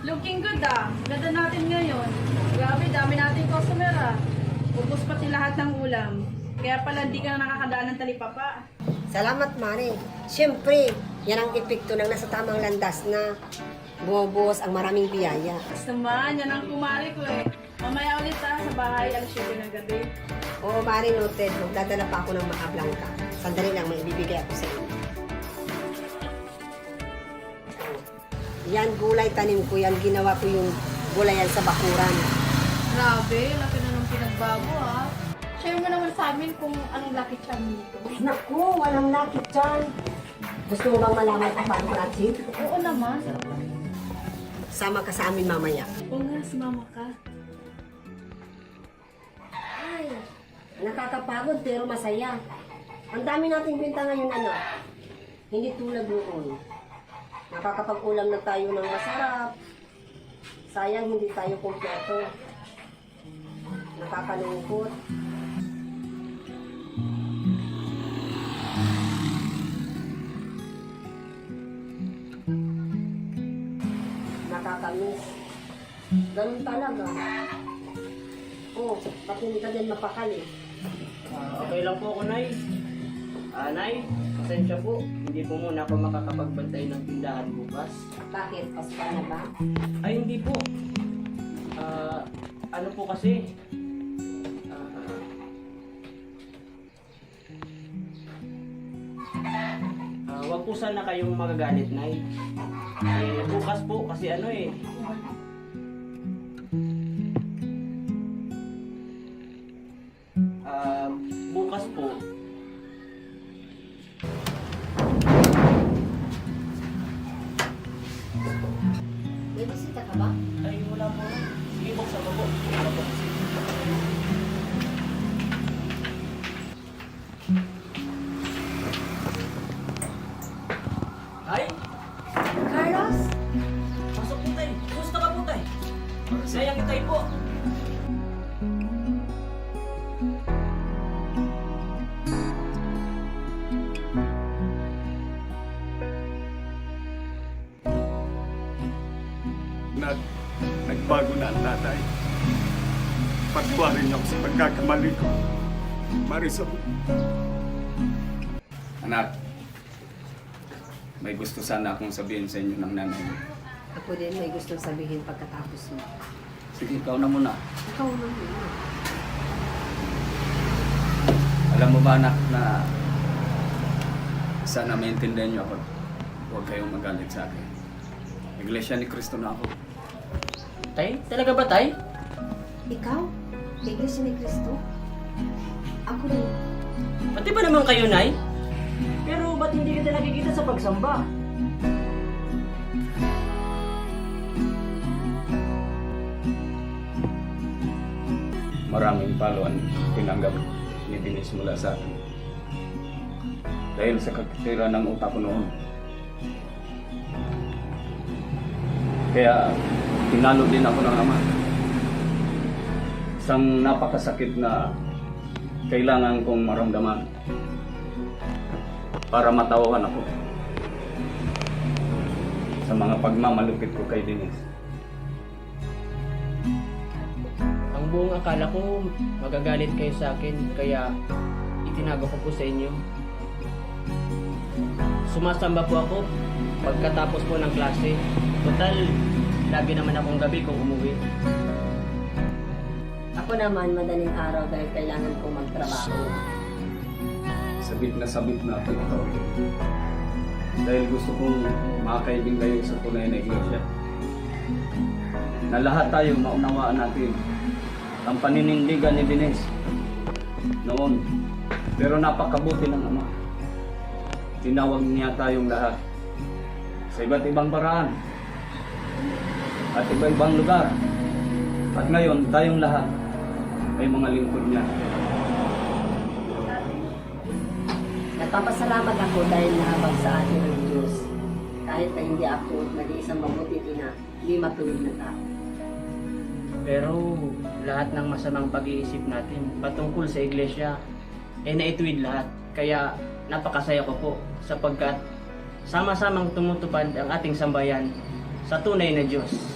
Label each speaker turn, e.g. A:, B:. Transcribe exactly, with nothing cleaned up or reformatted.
A: Looking good ah. Ganda natin ngayon. Grabe, dami nating customer ah. Ubus pati lahat ng ulam. Kaya pala hindi ka na nakakadaan ng talipapa.
B: Salamat, Mare. Siyempre, yan ang epekto ng nasa tamang landas na bumubuhos ang maraming biyaya.
A: Basta naman, yan ang kumari ko eh. Mamaya ulit ah, sa bahay, alas siyete ng gabi.
B: Oo, Mare, noted. Magdadala pa ako ng mga blanca. Sandali lang, may ibibigay ako sa inyo. Yan, gulay tanim ko. Yan, ginawa ko yung gulayan sa bakuran.
A: Grabe, laki na ng pinagbago ah. Share mo naman sa amin kung anong lucky charm nito.
B: Naku, walang lucky charm. Gusto mo bang malaman kung paano natin?
A: Oo naman.
B: Sama ka sa amin mamaya.
A: Oo nga, sumama ka.
B: Ay, nakakapagod pero masaya. Ang dami nating binta ngayon, ano? Hindi tulad noon. Nakakapag-ulam na tayo ng masarap. Sayang hindi tayo kumpleto. Nakakalungkot. Nakakamiss. Ganun talaga. Oh, pati hindi ka din mapakali.
C: Ah, okay lang po ako, Nay. Ah, Nay, pasensya po. Hindi po muna ako makakapagbantay ng tindahan bukas.
B: Bakit? Pasko na ba?
C: Ay, hindi po. Ah, ano po kasi? Ah, ah, wag po sana kayong magagalit, Nay. Eh, bukas po kasi ano eh. Ah, bukas po.
B: May bisita ka ba?
C: Ay, wala po. Sige, buksan mo po. Wala po. Ay!
B: Carlos?
C: Pasok po tayo. Kumusta ka po tayo? Sayang tayo po.
D: Nag, nagbago na ang tatay. Pagtuwarin niyo ako sa pagkakamali ko. Marisol. Anak, may gusto sana akong sabihin sa inyo ng nanay mo.
B: Ako din may gustong sabihin pagkatapos mo.
D: Sige, ikaw na muna.
B: Ikaw na muna.
D: Alam mo ba, anak, na sana maintindihan niyo ako. Huwag kayong magalit sa akin. Iglesia ni Cristo na ako.
C: Tay? Talaga ba, Tay?
B: Ikaw? Iglesia ni Cristo? Ako rin.
C: Pati ba naman kayo, Nay? Pero ba't hindi kita nakikita sa pagsamba?
D: Maraming paluan tinanggap ni Denise mula sa akin. Dahil sa kakitira ng utak ko noon. Kaya tinalo din ako ng ama. Isang napakasakit na kailangan kong maramdaman para matawahan ako sa mga pagmamalupit ko kay Denise.
C: Ang buong akala ko magagalit kayo sa akin, kaya itinago ko po sa inyo. Sumasamba po ako pagkatapos po ng klase. Total, lagi naman akong gabi kung umuwi.
B: Ako naman madaling araw dahil kailangan kong magtrabaho.
D: Sabit na sabit na ako ito. Dahil gusto kong makaibig kayo sa tunay na iglesia. Na lahat tayo maunawaan natin ang paninindigan ni Denise noon. Pero napakabuti ng Ama. Tinawag niya tayong lahat sa iba't ibang paraan at iba-ibang lugar. At ngayon, tayong lahat ay mga lingkod niya.
B: Nagpapasalamat ako dahil nahabag sa atin ang Diyos. Kahit na hindi ako nag-iisang mabuti ina, hindi matuwid na tao.
C: Pero lahat ng masamang pag-iisip natin patungkol sa iglesia ay naituwid lahat. Kaya napakasaya ko po sapagkat sama-samang tumutupad ang ating sambayan sa tunay na Diyos.